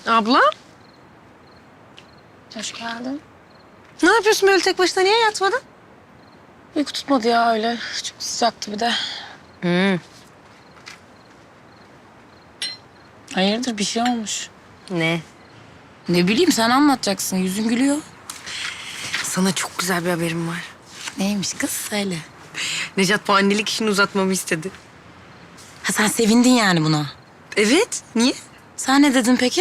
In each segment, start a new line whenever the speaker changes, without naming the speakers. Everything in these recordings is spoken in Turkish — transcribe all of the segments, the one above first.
Abla,
Hoş geldin.
ne yapıyorsun böyle tek başına? Niye yatmadın?
Uyku tutmadı ya öyle. Çok sıcaktı bir de. Hayırdır bir şey olmuş.
Ne?
Ne bileyim sen anlatacaksın. Yüzün gülüyor.
Sana çok güzel bir haberim var.
Neymiş kız söyle.
Necat bu annelik işini uzatmamı istedi.
Ha sen sevindin yani buna.
Evet, niye?
Sen ne dedin peki?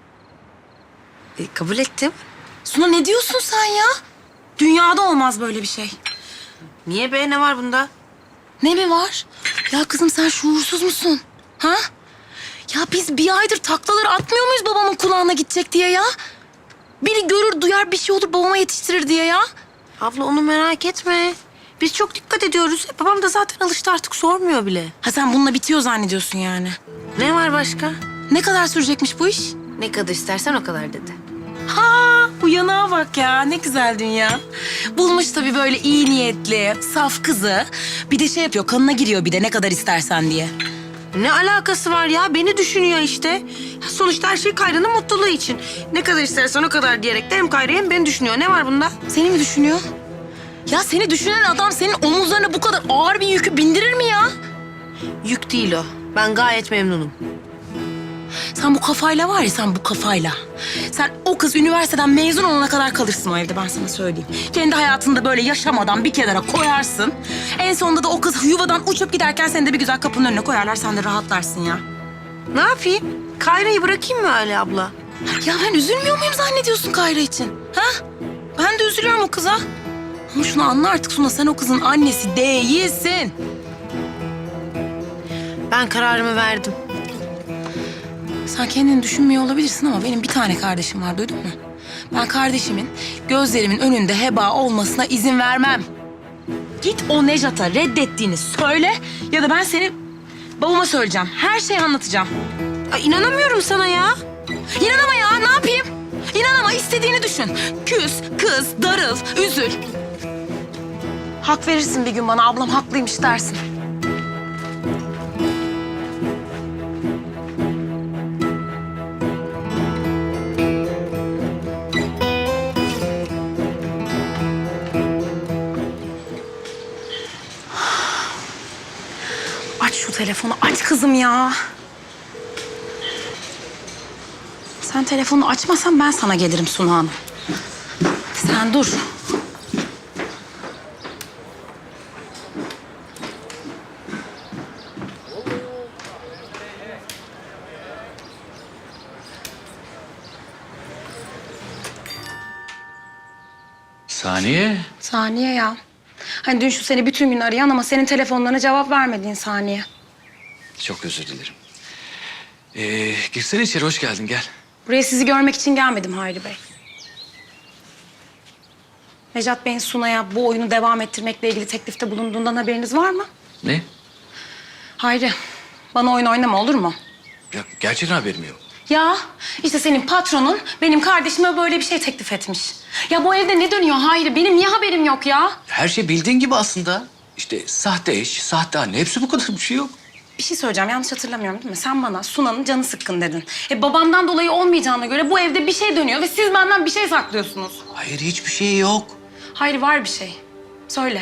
Kabul ettim.
Suna ne diyorsun sen ya? Dünyada olmaz böyle bir şey.
Niye be? Ne var bunda?
Ne mi var? Ya kızım sen şuursuz musun? Ha? Ya biz bir aydır taklaları atmıyor muyuz babamın kulağına gidecek diye ya? Biri görür duyar bir şey olur babama yetiştirir diye ya.
Abla onu merak etme. Biz çok dikkat ediyoruz. Babam da zaten alıştı artık sormuyor bile.
Ha sen bununla bitiyor zannediyorsun yani.
Ne var başka?
Ne kadar sürecekmiş bu iş?
Ne kadar istersen o kadar dedi.
Ha, bu yanağa bak ya. Ne güzel dünya. Bulmuş tabii böyle iyi niyetli, saf kızı. Bir de şey yapıyor, kanına giriyor bir de ne kadar istersen diye.
Ne alakası var ya? Beni düşünüyor işte. Sonuçta her şey Kayra'nın mutluluğu için. Ne kadar istersen o kadar diyerek de hem Kayra'yı hem beni düşünüyor. Ne var bunda?
Seni mi düşünüyor? Ya seni düşünen adam senin omuzlarına bu kadar ağır bir yükü bindirir mi ya?
Yük değil o. Ben gayet memnunum.
Sen bu kafayla var ya, sen bu kafayla. Sen o kız üniversiteden mezun olana kadar kalırsın o evde, ben sana söyleyeyim. Kendi hayatında böyle yaşamadan bir kenara koyarsın. En sonunda da o kız yuvadan uçup giderken seni de bir güzel kapının önüne koyarlar. Sen de rahatlarsın ya.
Ne yapayım? Kayra'yı bırakayım mı öyle abla?
Ya ben üzülmüyor muyum zannediyorsun Kayra için? Ha? Ben de üzülüyorum o kıza. Ama şunu anla artık Suna, sen o kızın annesi değilsin.
Ben kararımı verdim.
Sen kendini düşünmüyor olabilirsin ama benim bir tane kardeşim var, duydun mu? Ben kardeşimin gözlerimin önünde heba olmasına izin vermem. Git o Nejat'a reddettiğini söyle ya da ben seni babama söyleyeceğim. Her şeyi anlatacağım.
Ay, inanamıyorum sana ya.
İnanama ya, ne yapayım? İnanama, istediğini düşün. Küs, kız, darıl, üzül. Hak verirsin bir gün bana, ablam haklıymış dersin. Aç şu telefonu, aç kızım ya. Sen telefonu açmasan ben sana gelirim Suna Hanım. Sen dur.
Saniye.
Saniye ya. Hani dün şu seni bütün gün arayan ama senin telefonlarına cevap vermediğin Saniye.
Çok özür dilerim. Girsene içeri, hoş geldin, gel.
Buraya sizi görmek için gelmedim Hayri Bey. Necat Bey'in Suna'ya bu oyunu devam ettirmekle ilgili teklifte bulunduğundan haberiniz var mı?
Ne?
Hayri, bana oyun oynama olur mu?
Ya gerçekten haberim yok.
Ya işte senin patronun benim kardeşime böyle bir şey teklif etmiş. Ya bu evde ne dönüyor Hayri? Benim niye haberim yok ya?
Her şey bildiğin gibi aslında. İşte sahte eş, sahte anne, hepsi bu kadar, bir şey yok.
Bir şey söyleyeceğim, yanlış hatırlamıyorum değil mi? Sen bana Suna'nın canı sıkkın dedin. Babamdan dolayı olmayacağına göre bu evde bir şey dönüyor ve siz benden bir şey saklıyorsunuz.
Hayır, hiçbir şey yok.
Hayır, var bir şey. Söyle.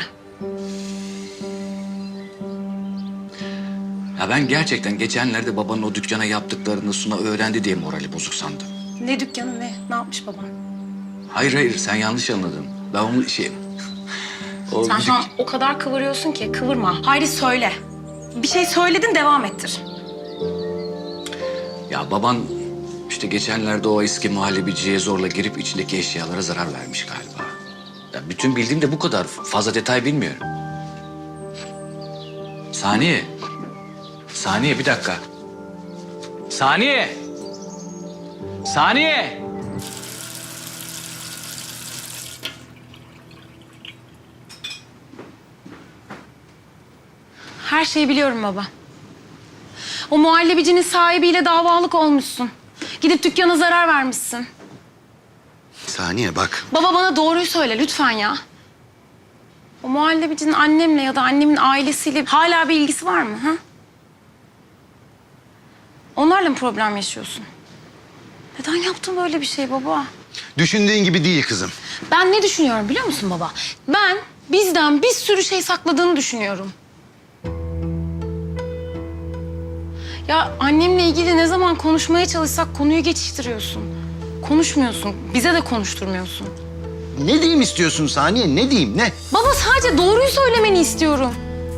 Ya ben gerçekten geçenlerde babanın o dükkana yaptıklarını Suna öğrendi diye morali bozuk sandım.
Ne dükkanı ne? Ne yapmış babam?
Hayır, sen yanlış anladın. Ben onu O
Sen
müzik...
şu an o kadar kıvırıyorsun ki kıvırma. Hayri söyle. Bir şey söyledin, devam ettir.
Ya baban işte geçenlerde o eski muhallebiciye zorla girip içindeki eşyalara zarar vermiş galiba. Ya bütün bildiğim de bu kadar. Fazla detay bilmiyorum. Saniye. Saniye, bir dakika. Saniye. Saniye.
Her şeyi biliyorum baba. O muhallebicinin sahibiyle davalık olmuşsun. Gidip dükkana zarar vermişsin.
Saniye bak.
Baba bana doğruyu söyle lütfen ya. O muhallebicinin annemle ya da annemin ailesiyle hala bir ilgisi var mı? Ha? Onlarla mı problem yaşıyorsun? Neden yaptın böyle bir şey baba?
Düşündüğün gibi değil kızım.
Ben ne düşünüyorum biliyor musun baba? Ben bizden bir sürü şey sakladığını düşünüyorum. Ya annemle ilgili ne zaman konuşmaya çalışsak konuyu geçiştiriyorsun. Konuşmuyorsun, bize de konuşturmuyorsun.
Ne diyeyim istiyorsun Saniye? Ne diyeyim? Ne?
Baba sadece doğruyu söylemeni istiyorum.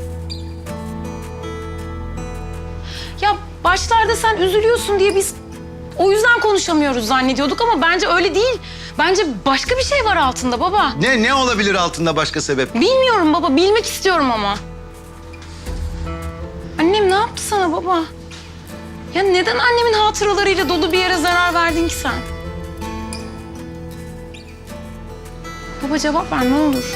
Ya başlarda sen üzülüyorsun diye biz o yüzden konuşamıyoruz zannediyorduk ama bence öyle değil. Bence başka bir şey var altında baba.
Ne olabilir altında başka sebep?
Bilmiyorum baba, bilmek istiyorum ama. Annem ne yaptı sana baba? Ya neden annemin hatıralarıyla dolu bir yere zarar verdin ki sen? Baba cevap ver ne olur.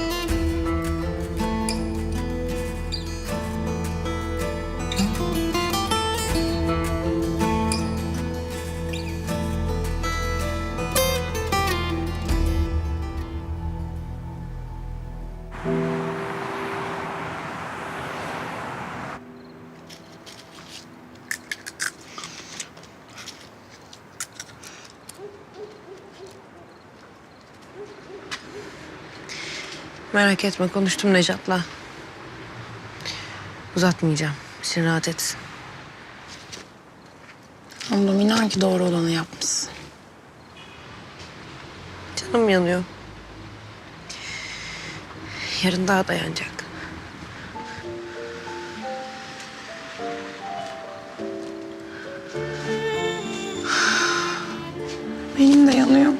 Merak etme, konuştum Nejat'la. Uzatmayacağım. İçin rahat etsin.
Oğlum inan ki doğru olanı yapmışsın.
Canım yanıyor. Yarın daha dayanacak.
Benim de yanıyor.